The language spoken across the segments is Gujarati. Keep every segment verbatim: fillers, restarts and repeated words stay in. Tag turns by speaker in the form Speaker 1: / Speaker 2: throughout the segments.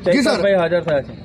Speaker 1: ચૈતરભાઈ હાજર થયા છે.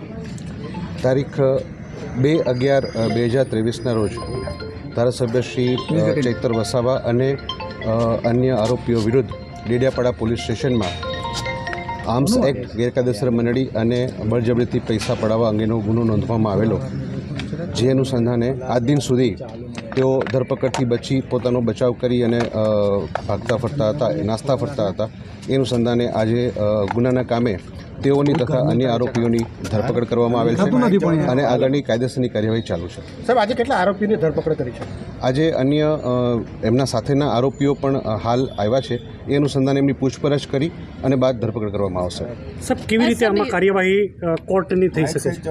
Speaker 2: તારીખ બે અગિયાર બે હજાર ત્રેવીસના રોજ ધારાસભ્ય શ્રી ચૈતર વસાવા અને અન્ય આરોપીઓ વિરુદ્ધ ડેડિયાપાડા પોલીસ સ્ટેશનમાં આર્મ્સ એક્ટ ગેરકાયદેસર મંડળી અને બળજબરીથી પૈસા પડાવવા અંગેનો ગુનો નોંધવામાં આવેલો, જે અનુસંધાને આજ દિન સુધી તેઓ ધરપકડથી બચી પોતાનો બચાવ કરી અને ભાગતા ફરતા હતા, નાસ્તા ફરતા હતા. એ અનુસંધાને આજે ગુનાના કામે તેઓની તથા અન્ય આરોપીઓની ધરપકડ કરવામાં આવેલ છે અને આગળની કાયદેસરની કાર્યવાહી ચાલુ છે.
Speaker 3: સાહેબ, આજે કેટલા આરોપીઓની ધરપકડ કરી છે?
Speaker 2: આજે અન્ય એમના સાથેના આરોપીઓ પણ હાલ આવ્યા છે. એ અનુસંધાને એમની પૂછપરછ કરી અને બાદ ધરપકડ કરવામાં આવશે.
Speaker 4: સાહેબ, કેવી રીતે આમાં કાર્યવાહી કોર્ટની થઈ શકે છે?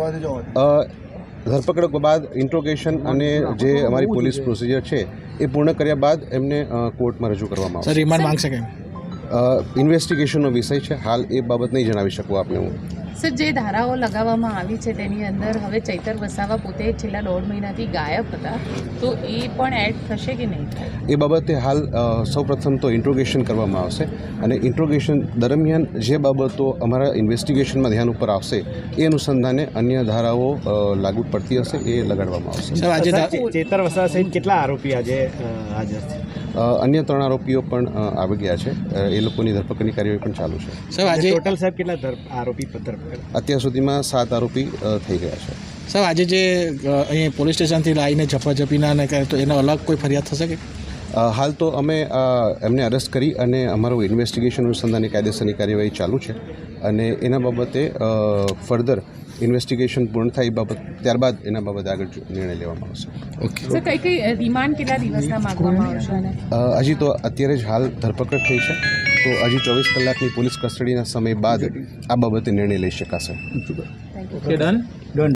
Speaker 2: ધરપકડ બાદ ઇન્ટ્રોગેશન અને જે અમારી પોલીસ પ્રોસિજર છે એ પૂર્ણ કર્યા બાદ એમને કોર્ટમાં રજૂ કરવામાં આવશે.
Speaker 3: રિમાન્ડ માંગશે કે
Speaker 2: ઇન્વેસ્ટિગેશનનો વિષય છે, હાલ એ બાબત નહીં જણાવી શકું આપને હું.
Speaker 5: સર, જે ધારાઓ લગાવવામાં આવી છે તેની અંદર હવે ચૈતર વસાવા પોતે છેલ્લા દોઢ મહિનાથી ગાયબ હતા, તો એ પણ એડ થશે કે નહીં થાય?
Speaker 2: એ બાબતે હાલ સૌપ્રથમ તો ઇન્ટ્રોગેશન કરવામાં આવશે અને ઇન્ટ્રોગેશન દરમિયાન જે બાબતો અમારા ઇન્વેસ્ટિગેશનમાં ધ્યાન ઉપર આવશે એ અનુસંધાને અન્ય ધારાઓ લાગુ પડતી હશે એ લગાડવામાં આવશે.
Speaker 3: આજે ચેતર વસાવા સહિત કેટલા આરોપી આજે હાજર છે?
Speaker 2: અન્ય ત્રણ આરોપીઓ પણ આવી ગયા છે. એ લોકોની ધરપકડની કાર્યવાહી પણ ચાલુ છે.
Speaker 3: સાહેબ, આજે ટોટલ સાહેબ કેટલા આરોપી ધરપકડ?
Speaker 2: અત્યાર સુધીમાં સાત આરોપી થઈ ગયા છે.
Speaker 3: સાહેબ, આજે જે અહીં પોલીસ સ્ટેશનથી લાવીને ઝપાઝપીના ને કરે તો એનો અલગ કોઈ ફરિયાદ થશે કે?
Speaker 2: હાલ તો અમે એમને અરેસ્ટ કરી અને અમારું ઇન્વેસ્ટિગેશન અનુસંધાનની કાયદેસરની કાર્યવાહી ચાલુ છે અને એના બાબતે ફર્ધર ઇન્વેસ્ટિગેશન પૂર્ણ થાય એ બાબત ત્યારબાદ એના બાબતે આગળ નિર્ણય લેવામાં આવશે.
Speaker 5: ઓકે સર, કઈ કઈ રિમાન્ડ કેટલા દિવસના માંગવામાં આવશે?
Speaker 2: હજી તો અત્યારે જ હાલ ધરપકડ થઈ છે, તો હજી ચોવીસ કલાકની પોલીસ કસ્ટડીના સમય બાદ આ બાબતે નિર્ણય લઈ શકાશે.
Speaker 1: Done done